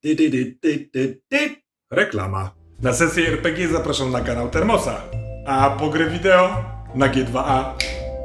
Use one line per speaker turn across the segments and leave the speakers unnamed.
Reklama. Na sesję RPG zapraszam na kanał Termosa, a po grę wideo na G2A.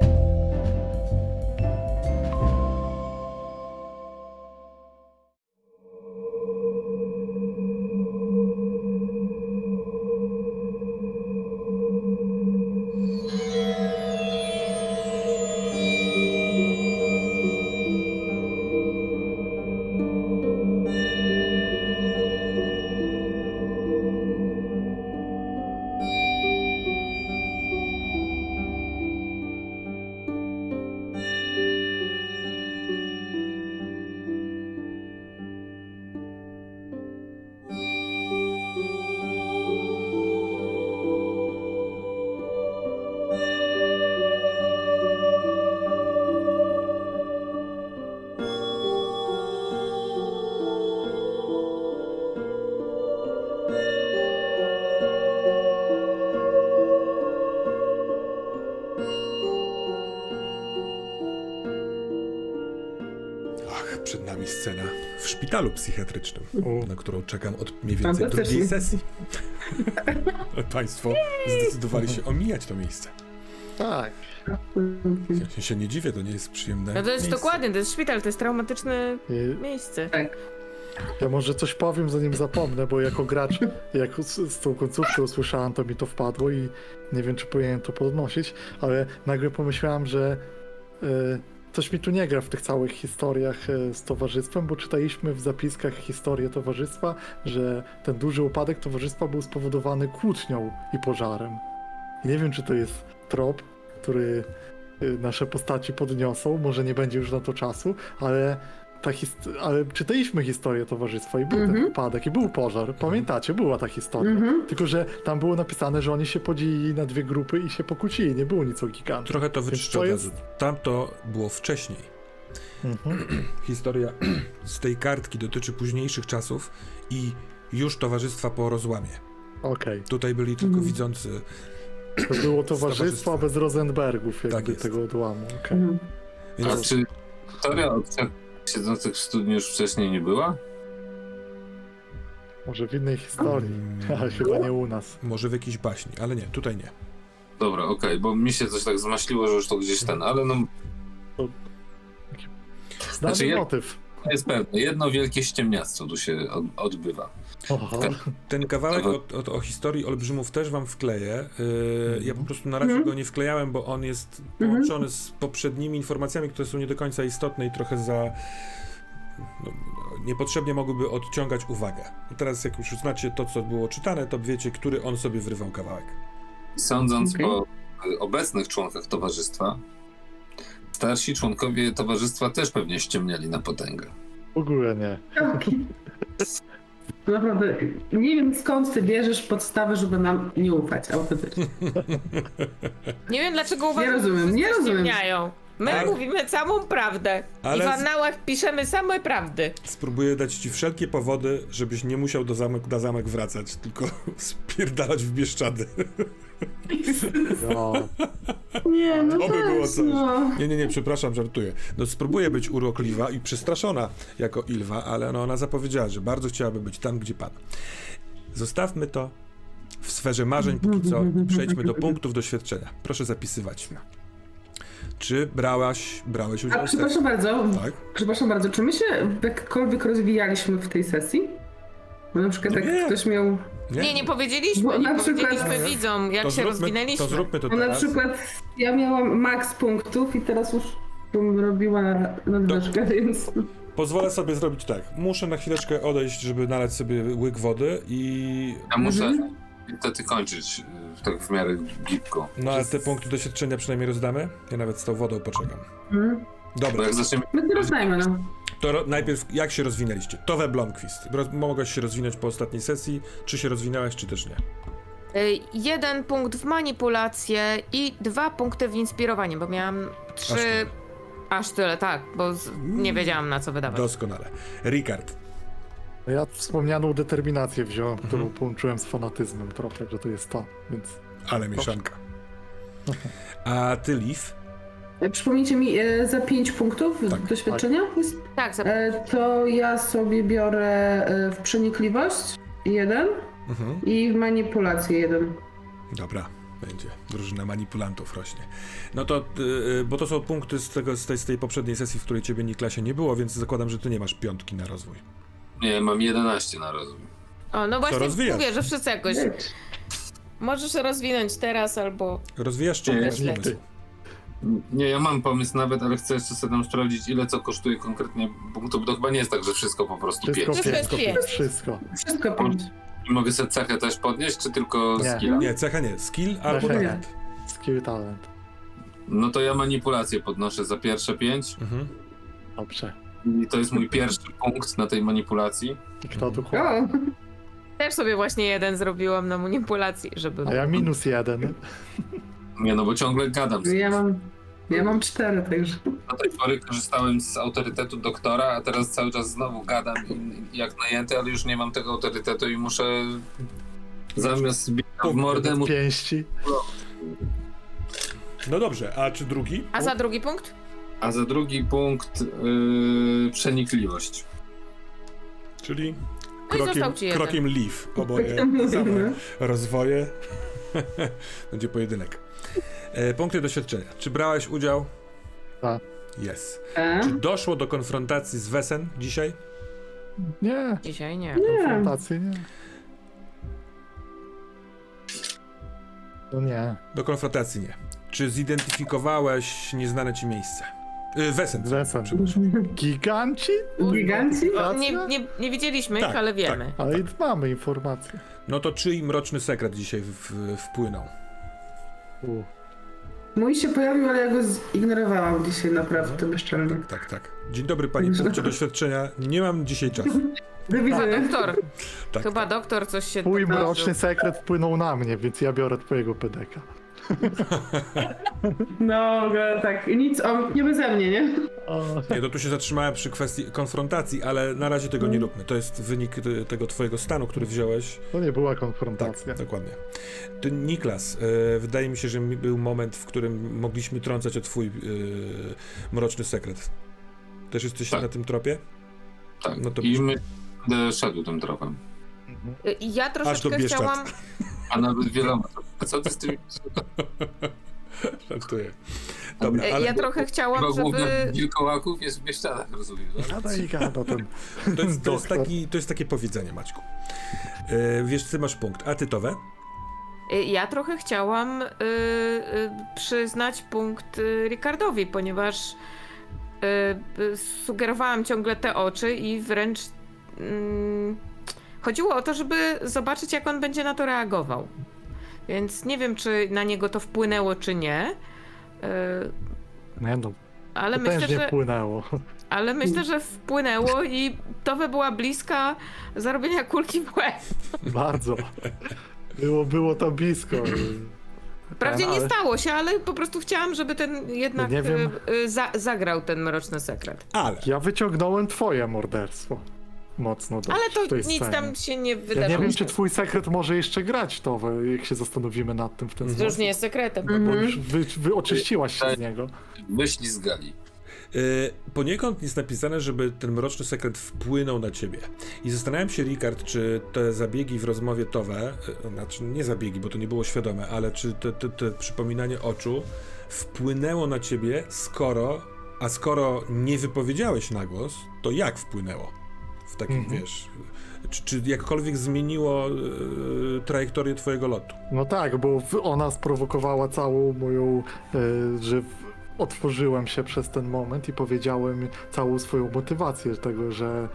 Przed nami scena w szpitalu psychiatrycznym, na którą czekam od mniej więcej drugiej sesji. Państwo zdecydowali się omijać to miejsce.
Tak.
Ja się nie dziwię, to nie jest przyjemne.
No to jest
miejsce.
dokładnie, to jest szpital, to jest traumatyczne miejsce.
Tak.
Ja może coś powiem, zanim zapomnę, bo jako gracz, jak z tą końcówką usłyszałem, to mi to wpadło i nie wiem, czy powinienem to podnosić, ale nagle pomyślałem, że coś mi tu nie gra w tych całych historiach z towarzystwem, bo czytaliśmy w zapiskach historię towarzystwa, że ten duży upadek towarzystwa był spowodowany kłótnią i pożarem. I nie wiem, czy to jest trop, który nasze postaci podniosą, może nie będzie już na to czasu, ale ale czytaliśmy historię towarzystwa i był ten upadek, i był pożar. Pamiętacie, była ta historia. Tylko, że tam było napisane, że oni się podzielili na dwie grupy i się pokłócili. Nie było nic o gigantach.
Trochę to wyczyszczę od razu. Tamto było wcześniej. Historia z tej kartki dotyczy późniejszych czasów i już towarzystwa po rozłamie.
Okej.
Tutaj byli tylko widzący.
To było towarzystwo bez Rosenbergów, jakby
Tak jest.
tego odłamu. Okay.
A
Więc
czy historia o trzech siedzących w studniu już wcześniej nie była?
Może w innej historii, ale chyba nie u nas.
może w jakiejś baśni, ale nie, tutaj nie.
Dobra, okej, bo mi się coś tak zmaśliło, że już to gdzieś ten, ale no
Znany
Znaczy,
motyw.
jest pewne, jedno wielkie ściemniactwo tu się odbywa.
Oho.
Ten kawałek o historii olbrzymów też wam wkleję. Ja po prostu na razie go nie wklejałem, bo on jest połączony z poprzednimi informacjami, które są nie do końca istotne i trochę niepotrzebnie mogłyby odciągać uwagę. Teraz jak już znacie to, co było czytane, to wiecie, który on sobie wrywał kawałek.
Sądząc po obecnych członkach towarzystwa, starsi członkowie towarzystwa też pewnie ściemniali na potęgę.
W ogóle nie.
Naprawdę, nie wiem skąd ty bierzesz podstawy, żeby nam nie ufać autentycznie.
Nie wiem dlaczego uważam,
rozumiem,
że
nie
wszyscy
rozumiem.
ściemniają. My
Ale-
mówimy całą prawdę
Ale-
i w annałach piszemy same prawdy.
Spróbuję dać ci wszelkie powody, żebyś nie musiał na zamek wracać, tylko spierdalać w Bieszczady.
Ja.
Nie, no
To by było
tak,
coś.
no.
Nie, przepraszam, żartuję. No spróbuję być urokliwa i przestraszona jako Ilwa, ale no ona zapowiedziała, że bardzo chciałaby być tam, gdzie pan. Zostawmy to w sferze marzeń póki co i przejdźmy do punktów doświadczenia. Proszę zapisywać. Czy brałeś udział
A
w
przepraszam bardzo,
Tak?
przepraszam bardzo, czy my się jakkolwiek rozwijaliśmy w tej sesji? Bo na przykład
No
jak
nie.
ktoś miał...
Nie powiedzieliśmy,
Bo
nie
na przykład-
powiedzieliśmy widzom, jak się rozwinęliśmy.
To zróbmy to
No na
teraz.
przykład ja miałam max punktów i teraz już bym robiła nadwyżkę, więc...
Pozwolę sobie zrobić tak. Muszę na chwileczkę odejść, żeby nalać sobie łyk wody i...
Ja muszę niestety kończyć tak w miarę gibko.
No ale te punkty doświadczenia przynajmniej rozdamy. Ja nawet z tą wodą poczekam.
Bo
Dobra,
jak zaczniemy
My to rozdajmy, no.
to najpierw jak się rozwinęliście? Tove Blomqvist. Mogłaś się rozwinąć po ostatniej sesji. Czy się rozwinęłaś, czy też nie?
1 punkt w manipulację i 2 punkty w inspirowanie, bo miałam 3...
tyle.
Aż tyle, tak, bo nie wiedziałam na co wydawać.
Doskonale. Ricard.
No ja wspomnianą determinację wziąłem, którą połączyłem z fanatyzmem trochę, że to jest to, więc...
Ale mieszanka. A ty, Liv?
Przypomnijcie mi, za 5 punktów
Tak.
doświadczenia jest?
Tak,
To ja sobie biorę w przenikliwość 1
Mhm.
i w manipulację 1.
Dobra, będzie. Drużyna manipulantów rośnie. No to, bo to są punkty z tej poprzedniej sesji, w której ciebie, Niklasie, nie było, więc zakładam, że ty nie masz 5 na rozwój.
Nie, mam 11 na rozwój.
o, no właśnie
rozwijasz?
mówię, że wszyscy jakoś... Możesz rozwinąć teraz albo...
Rozwijasz czy
Nie,
masz
nie,
pomysł?
Nie, ja mam pomysł nawet, ale chcę jeszcze sobie tam sprawdzić, ile co kosztuje konkretnie punktów. To chyba nie jest tak, że wszystko po prostu
Wszystko
5.
Wszystko jest
5.
pięć.
Wszystko.
Wszystko 5.
I mogę sobie cechę też podnieść, czy tylko
Nie.
skilla?
Nie, cecha nie. Skill albo
Cecha nie.
talent.
Skill talent.
No to ja manipulację podnoszę za pierwsze 5
Mhm.
Dobrze.
i to jest mój pierwszy punkt na tej manipulacji.
I kto tu chłop?
O,
Też sobie właśnie 1 zrobiłam na manipulacji, żeby...
A ja -1.
Nie, no bo ciągle gadam.
ja mam 4, także.
Do tej pory korzystałem z autorytetu doktora, a teraz cały czas znowu gadam jak najęty, ale już nie mam tego autorytetu i muszę zamiast bić w mordę, muszę...
Pięści.
No dobrze, a czy drugi?
A za drugi punkt?
A za drugi punkt przenikliwość.
Czyli
No i został ci jeden.
krokiem leaf. Oboje same rozwoje. Będzie pojedynek. Punkty doświadczenia. Czy brałeś udział?
Tak.
Jest.
E?
Czy doszło do konfrontacji z Wesen dzisiaj?
Nie.
Dzisiaj nie.
Konfrontacji nie. No nie.
Do konfrontacji nie. Czy zidentyfikowałeś nieznane ci miejsce? Wesen.
Wesen.
Przepraszam.
Giganci?
Giganci?
O, nie widzieliśmy
Tak,
ich, ale wiemy.
Ale i mamy informacje.
No to czyj mroczny sekret dzisiaj wpłynął?
U.
Mój się pojawił, ale ja go zignorowałam dzisiaj naprawdę bezczelnie.
Tak. Dzień dobry, pani punkcie doświadczenia. Nie mam dzisiaj czasu.
Do
Chyba
widzenia.
doktor.
Tak.
Chyba doktor coś się
Twój
dodarzył.
mroczny sekret wpłynął na mnie, więc ja biorę twojego pedeka.
No, tak, nic, nie beze mnie, nie?
O,
Nie, to tu się zatrzymałem przy kwestii konfrontacji, ale na razie tego nie róbmy. To jest wynik tego twojego stanu, który wziąłeś.
to nie była
Tak,
konfrontacja.
dokładnie. Ty, Niklas, wydaje mi się, że był moment, w którym mogliśmy trącać o twój mroczny sekret. Też jesteś
Tak.
na tym tropie?
Tak.
No to
I będę szedł tym tropem.
Ja
Aż do
troszeczkę
Bieszczad.
chciałam...
A nawet wieloma. A co ty z tymi...
Żartuję. Dobra, ale
Ja trochę chciałam,
Chyba główna
żeby...
wilkołaków jest w Bieszczadach, rozumiem, tak?
Gada i gada ten
to jest,
doktor.
to jest takie powiedzenie, Maćku. Wiesz, ty masz punkt. A tytowe?
Ja trochę chciałam przyznać punkt Ricardowi, ponieważ sugerowałam ciągle te oczy i wręcz chodziło o to, żeby zobaczyć, jak on będzie na to reagował. Więc nie wiem, czy na niego to wpłynęło, czy nie.
Nie no,
Ale
to
myślę,
też nie
że,
płynęło.
ale myślę, że wpłynęło i to była bliska zarobienia kulki w łeb.
Bardzo. Było to blisko.
Wprawdzie nie
ale-
stało się, ale po prostu chciałam, żeby ten jednak
Nie wiem.
zagrał ten mroczny sekret.
Ale
Ja wyciągnąłem twoje morderstwo. Mocno dość
Ale
w tej
to nic
scenie.
tam się nie
Ja
wydarzyło.
nie wiem, czy twój sekret może jeszcze grać to, jak się zastanowimy nad tym w ten
To
sposób.
już nie jest sekretem.
Bo już oczyściłaś się z niego.
Wyślizgali.
Poniekąd jest napisane, żeby ten mroczny sekret wpłynął na ciebie. I zastanawiam się, Rikard, czy te zabiegi w rozmowie Towe, znaczy nie zabiegi, bo to nie było świadome, ale czy te przypominanie oczu wpłynęło na ciebie, skoro nie wypowiedziałeś na głos, to jak wpłynęło? W takim, wiesz, czy jakkolwiek zmieniło trajektorię twojego lotu?
No tak, bo ona sprowokowała całą moją, że otworzyłem się przez ten moment i powiedziałem całą swoją motywację tego, że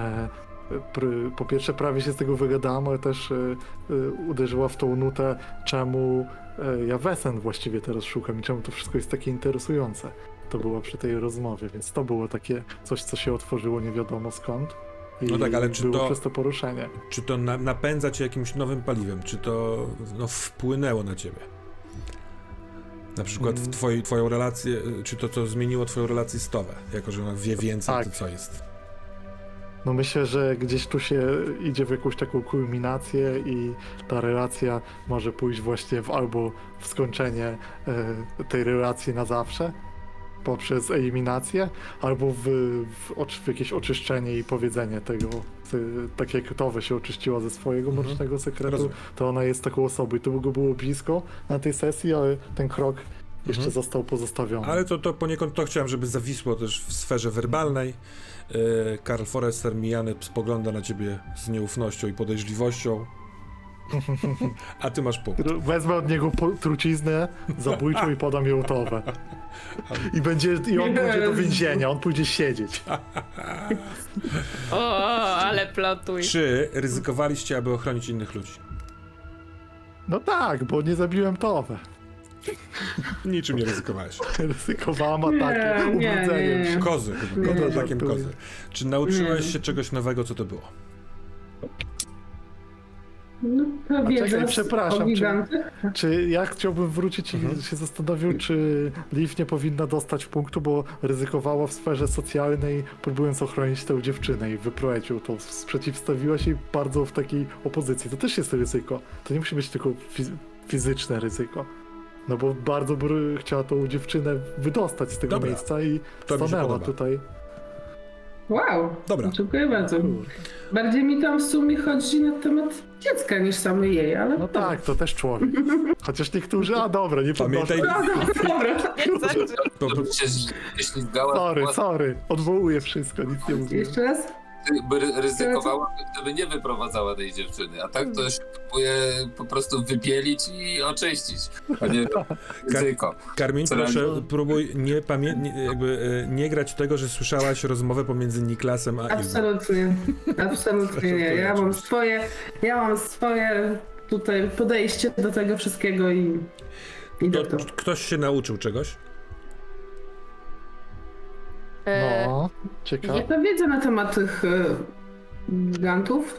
po pierwsze prawie się z tego wygadałem, ale też uderzyła w tą nutę, czemu ja Wesen właściwie teraz szukam i czemu to wszystko jest takie interesujące. To było przy tej rozmowie, więc to było takie coś, co się otworzyło nie wiadomo skąd. I
No tak, ale czy
było
to-
przez to poruszenie.
Czy to napędza cię jakimś nowym paliwem? Czy to wpłynęło na ciebie? Na przykład w twoją relację, czy to zmieniło twoją relację z Towę, jako że ona wie więcej,
Tak.
to co jest?
No myślę, że gdzieś tu się idzie w jakąś taką kulminację i ta relacja może pójść właśnie albo w skończenie tej relacji na zawsze, poprzez eliminację, albo w jakieś oczyszczenie i powiedzenie tego, tak jak Towe się oczyściła ze swojego mrocznego sekretu,
Rozumiem.
to ona jest taką osobą i to było blisko na tej sesji, ale ten krok jeszcze został pozostawiony.
Ale to poniekąd to chciałem, żeby zawisło też w sferze werbalnej. Karl Forrester mijany spogląda na ciebie z nieufnością i podejrzliwością. A ty masz punkt.
Wezmę od niego truciznę zabójczą i podam ją Towę. I on pójdzie do więzienia, on pójdzie siedzieć.
O, ale plotuj.
Czy ryzykowaliście, aby ochronić innych ludzi?
No tak, bo nie zabiłem Towę.
Niczym nie ryzykowałeś.
Ryzykowałam atakiem,
Nie,
ubrodzeniem
nie.
się.
Kozy, chyba.
Nie,
Atakiem
żartuję.
kozy. Czy nauczyłeś
Nie.
się czegoś nowego, co to było?
No to
A
wiedza
czekaj, przepraszam,
o gigantach.
Czy ja chciałbym wrócić i się zastanowił, czy Liv nie powinna dostać punktu, bo ryzykowała w sferze socjalnej, próbując ochronić tę dziewczynę i wyprowadzić ją, to sprzeciwstawiła się bardzo w takiej opozycji. To też jest ryzyko. To nie musi być tylko fizyczne ryzyko. No bo bardzo by chciała tą dziewczynę wydostać z tego
Dobra.
miejsca i
To mi się
stanęła
podoba.
tutaj.
Wow,
Dobra.
dziękuję bardzo. Bardziej mi tam w sumie chodzi na temat dziecka niż samej jej, ale...
No tak, to też człowiek. Chociaż niektórzy, a dobra, nie podnoszę.
Pamiętaj,
Dobra.
Nie znaczy.
po-
się ślizgała,
Sorry, odwołuję wszystko, nic nie mówię.
Jeszcze raz?
by ryzykowała, gdyby nie wyprowadzała tej dziewczyny. A tak to się próbuje po prostu wybielić i oczyścić. A nie ryzyko.
Karmin,
Co
proszę,
robi?
próbuj nie grać tego, że słyszałaś rozmowę pomiędzy Niklasem a Ilwą.
Absolutnie. Absolutnie nie. Ja mam swoje tutaj podejście do tego wszystkiego i do
To,
to.
ktoś się nauczył czegoś?
No, ciekawe.
Jaka wiedza na temat tych gigantów?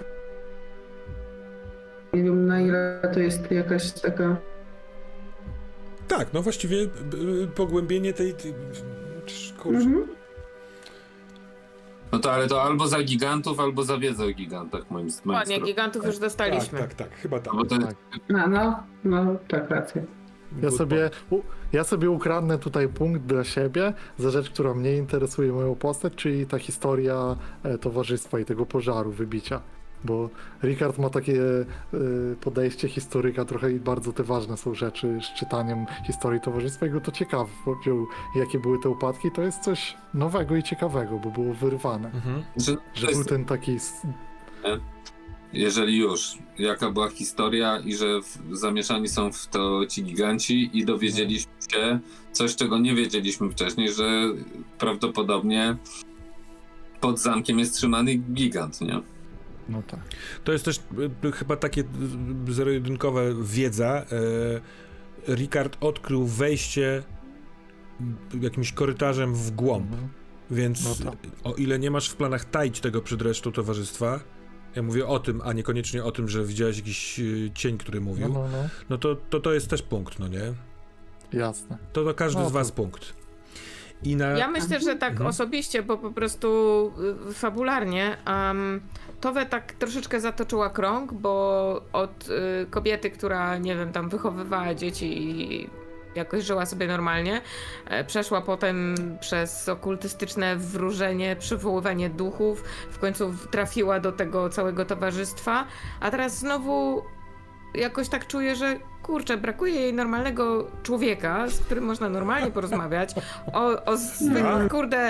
Nie wiem, na ile to jest jakaś taka...
Tak, no właściwie pogłębienie tej kurczę.
Mhm.
No to ale to albo za gigantów, albo za wiedzę o gigantach, moim
Ładnie,
zdaniem.
gigantów już dostaliśmy.
Tak, chyba tak.
Bo to jest
No, tak, racja.
Ja sobie ukradnę tutaj punkt dla siebie za rzecz, która mnie interesuje, moją postać, czyli ta historia towarzystwa i tego pożaru, wybicia. Bo Rikard ma takie podejście historyka trochę i bardzo te ważne są rzeczy z czytaniem historii towarzystwa i go to ciekawe, jakie były te upadki. To jest coś nowego i ciekawego, bo było wyrwane.
Mhm.
Że był ten taki...
Jeżeli już, jaka była historia i że zamieszani są w to ci giganci i dowiedzieliśmy się coś, czego nie wiedzieliśmy wcześniej, że prawdopodobnie pod zamkiem jest trzymany gigant, nie?
No tak.
To jest też chyba takie zero-jedynkowe wiedza. Rikard odkrył wejście jakimś korytarzem w głąb, więc
No tak.
o ile nie masz w planach taić tego przed resztą towarzystwa, ja mówię o tym, a niekoniecznie o tym, że widziałeś jakiś cień, który mówił, no to jest też punkt, no nie?
Jasne.
To każdy
No
z was
to-
punkt. I na...
Ja myślę, że tak osobiście, bo po prostu fabularnie Towę tak troszeczkę zatoczyła krąg, bo od kobiety, która, nie wiem, tam wychowywała dzieci i jakoś żyła sobie normalnie, przeszła potem przez okultystyczne wróżenie, przywoływanie duchów, w końcu trafiła do tego całego towarzystwa, a teraz znowu jakoś tak czuję, że kurczę, brakuje jej normalnego człowieka, z którym można normalnie porozmawiać o zwykłych, kurde,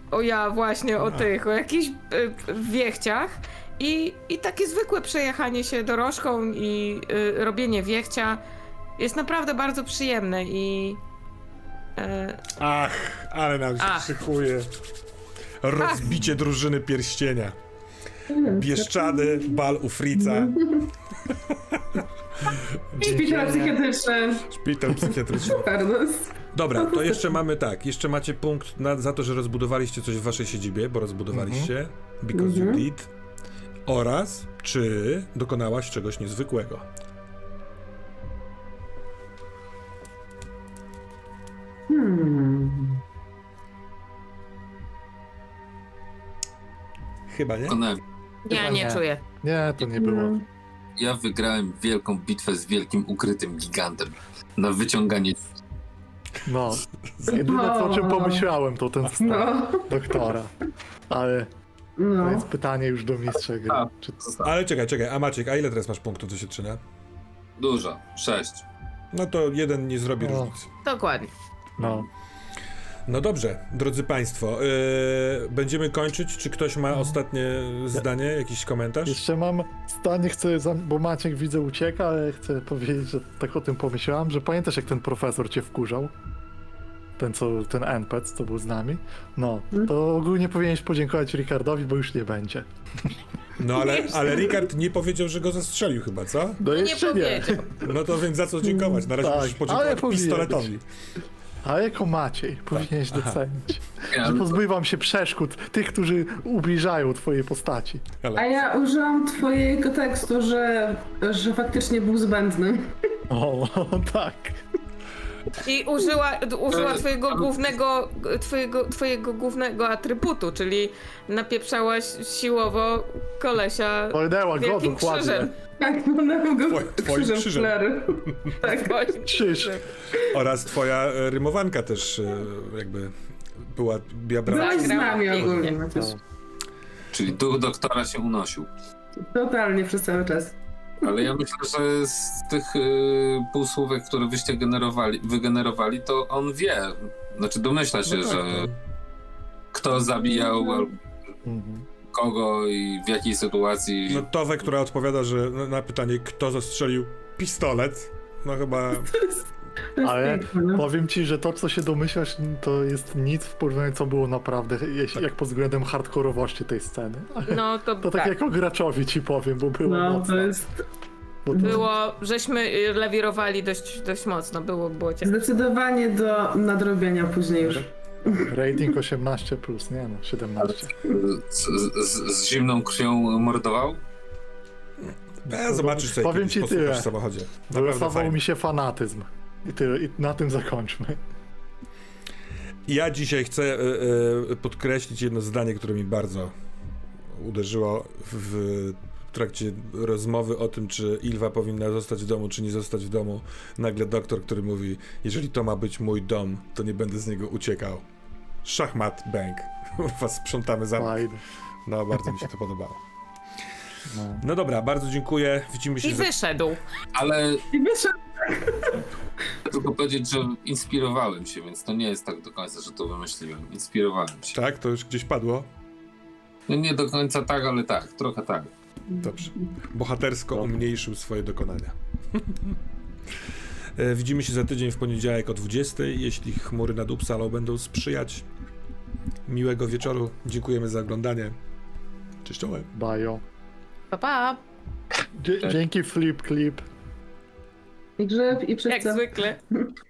o jakichś wiechciach i takie zwykłe przejechanie się dorożką i robienie wiechcia jest naprawdę bardzo przyjemne i
Ach, ale nam się szykuje. Rozbicie drużyny pierścienia. Bieszczady, bal u Frica.
Szpital psychiatryczny.
Szpital psychiatryczny.
Pardon.
Dobra, to jeszcze mamy tak. Jeszcze macie punkt za to, że rozbudowaliście coś w waszej siedzibie, bo rozbudowaliście. Because you did. Oraz, czy dokonałaś czegoś niezwykłego. Chyba nie?
ja nie czuję.
Nie, to nie było.
Ja wygrałem wielką bitwę z wielkim ukrytym gigantem na wyciąganie.
No, jedyne co, o czym pomyślałem, to ten wstęp
No,
doktora. Ale to
no.
jest pytanie już do mistrza gry.
A.
Czy...
Ale czekaj, a Maciek, a ile teraz masz punktów do Sietrzyna?
Dużo, 6.
No to jeden nie zrobi
No.
różnicy.
Dokładnie.
No.
No dobrze, drodzy Państwo, będziemy kończyć. Czy ktoś ma ostatnie zdanie, jakiś komentarz?
Jeszcze mam zdanie, bo Maciek widzę ucieka, ale chcę powiedzieć, że tak o tym pomyślałem, że pamiętasz jak ten profesor cię wkurzał? Ten NPC, co był z nami? No, to ogólnie powinieneś podziękować Ricardowi, bo już nie będzie.
No ale Ricard nie powiedział, że go zastrzelił chyba, co?
No
Nie
jeszcze nie.
powiedział.
No to więc za co dziękować? Na razie
Tak,
musisz
ale
podziękować
powinien
pistoletowi.
A jako Maciej powinieneś docenić,
Ja,
że pozbywam się przeszkód tych, którzy ubliżają twojej postaci.
A ja użyłam twojego tekstu, że faktycznie był zbędny.
O, tak.
I użyła twojego głównego atrybutu, czyli napieprzałaś siłowo kolesia
Powiedziała go
wielkim
dokładnie.
krzyżem.
Tak, mam go
Twoim krzyżem.
krzyżem flery. Tak.
Twoim
Krzyż.
Oraz twoja rymowanka też jakby była brała.
Byłaś z
Zagrał
nami
pięknie.
ogólnie, Maciuś.
czyli duch doktora się unosił.
Totalnie przez cały czas.
Ale ja myślę, że z tych półsłówek, które wyście wygenerowali, to on wie. Znaczy domyśla się,
No tak,
że
no.
kto zabijał albo
Mhm.
kogo i w jakiej sytuacji.
No Towę, która odpowiada, że na pytanie, kto zastrzelił pistolet, no chyba...
To jest
Ale
piękne, no.
powiem ci, że to, co się domyślasz, to jest nic w porównaniu, co było naprawdę, jak pod względem hardkorowości tej sceny.
No to,
To tak
tak.
jako graczowi ci powiem, bo było
No,
mocno.
to jest
Bo to-
Było, żeśmy lewirowali dość mocno, było ciężko.
zdecydowanie do nadrobienia później już.
Rating 18+, nie no, 17.
Z zimną krwią mordował?
Zobaczysz sobie
Powiem
kiedyś,
ci
posłuchasz
tyle.
w samochodzie. Naprawdę
Wylosował
fajnie.
mi się fanatyzm. I tyle, i na tym zakończmy.
Ja dzisiaj chcę podkreślić jedno zdanie, które mi bardzo uderzyło w trakcie rozmowy o tym, czy Ilva powinna zostać w domu, czy nie zostać w domu. Nagle doktor, który mówi, jeżeli to ma być mój dom, to nie będę z niego uciekał. Szachmat, bang. Was sprzątamy za...
Fajnie.
No, bardzo mi się to podobało.
No.
No dobra, bardzo dziękuję. Widzimy się
I wyszedł.
Ale
I wiesz,
tylko powiedzieć, że inspirowałem się, więc to nie jest tak do końca, że to wymyśliłem. Inspirowałem się.
Tak, to już gdzieś padło.
No nie do końca tak, ale tak, trochę tak.
Dobrze. Bohatersko
Dobra.
umniejszył swoje dokonania. Widzimy się za tydzień w poniedziałek o 20:00, jeśli chmury nad Uppsalą będą sprzyjać. Miłego wieczoru. Dziękujemy za oglądanie. Cześć, czołem.
Bajo.
Pa, pa.
Dzięki Flip Clip.
i grzyb, i
Jak
przecież.
zwykle.